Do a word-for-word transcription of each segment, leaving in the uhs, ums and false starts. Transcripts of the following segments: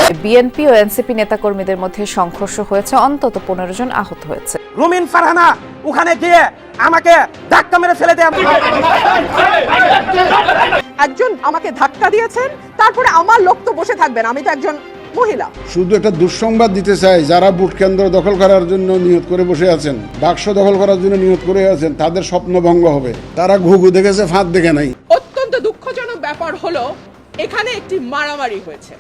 BNP ও NCP নেতাকর্মীদের মধ্যে সংঘর্ষ হয়েছে, অন্তত পনেরো জন আহত হয়েছে। রুমিন ফারহানা ওখানে গিয়ে আমাকে ধাক্কা মেরে ফেলে দেয়। একজন আমাকে ধাক্কা দিয়েছেন, তারপরে আমার লোক তো বসে থাকবেন, আমি তো একজন মহিলা। শুধু একটা দুঃসংবাদ দিতে চাই, যারা ভোট কেন্দ্র দখল করার জন্য নিয়ত করে বসে আছেন, বাক্স দখল করার জন্য নিয়ত করে আছেন, তাদের স্বপ্ন ভঙ্গ হবে। তারা ঘুঘু দেখেছে, ফাঁদ দেখে নাই। অত্যন্ত দুঃখজনক ব্যাপার হলো এখানে একটি মারামারি হয়েছে।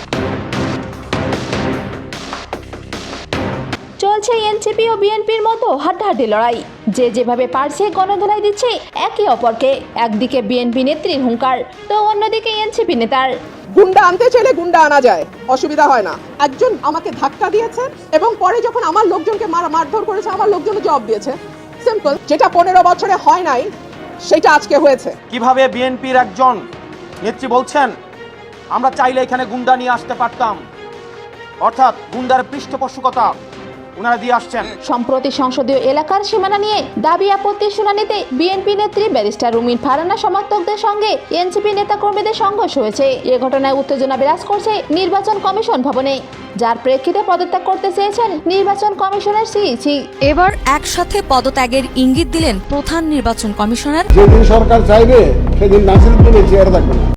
চলছে এনসিপি ও বিএনপির মতো হাড্ডাহাড্ডি লড়াই। যে যেভাবে পারছে গণধোলাই দিচ্ছে একে অপরকে। একদিকে বিএনপি নেত্রীর হুঙ্কার, তো অন্যদিকে এনসিপি নেতার। গুন্ডা আনতে চাইলে গুন্ডা আনা যায়, অসুবিধা হয় না। একজন আমাকে ধাক্কা দিয়েছেন এবং পরে যখন আমার লোকজনকে মার মারধর করেছে, আমার লোকজন জবাব দিয়েছে। সিম্পল, যেটা পনেরো বছরে হয় নাই সেটা আজকে হয়েছে। কিভাবে বিএনপির একজন নেত্রী বলছেন আমরা চাইলে এখানে গুন্ডা নিয়ে আসতে পারতাম, অর্থাৎ গুন্ডার পৃষ্ঠপোষকতা ওনারা দিয়ে আসছেন। সম্প্রতি সংসদীয় এলাকার সীমানা নিয়ে দাবি আপত্তি শুনানিতে বিএনপি নেত্রী ব্যারিস্টার রুমিন ফারহানা সমর্থকদের সঙ্গে এনসিপি নেতাকর্মীদের সংঘর্ষ হয়েছে। এ ঘটনায় উত্তেজনা বিরাজ করছে নির্বাচন কমিশন ভবনে, যার প্রেক্ষিতে পদত্যাগ করতে চেয়েছেন নির্বাচন কমিশনের সিইসি। এবার একসাথে পদত্যাগের ইঙ্গিত দিলেন প্রধান নির্বাচন কমিশনার। যেদিন সরকার চাইবে সেদিন নাসিরুদ্দিনের চেয়ার থাকবে না।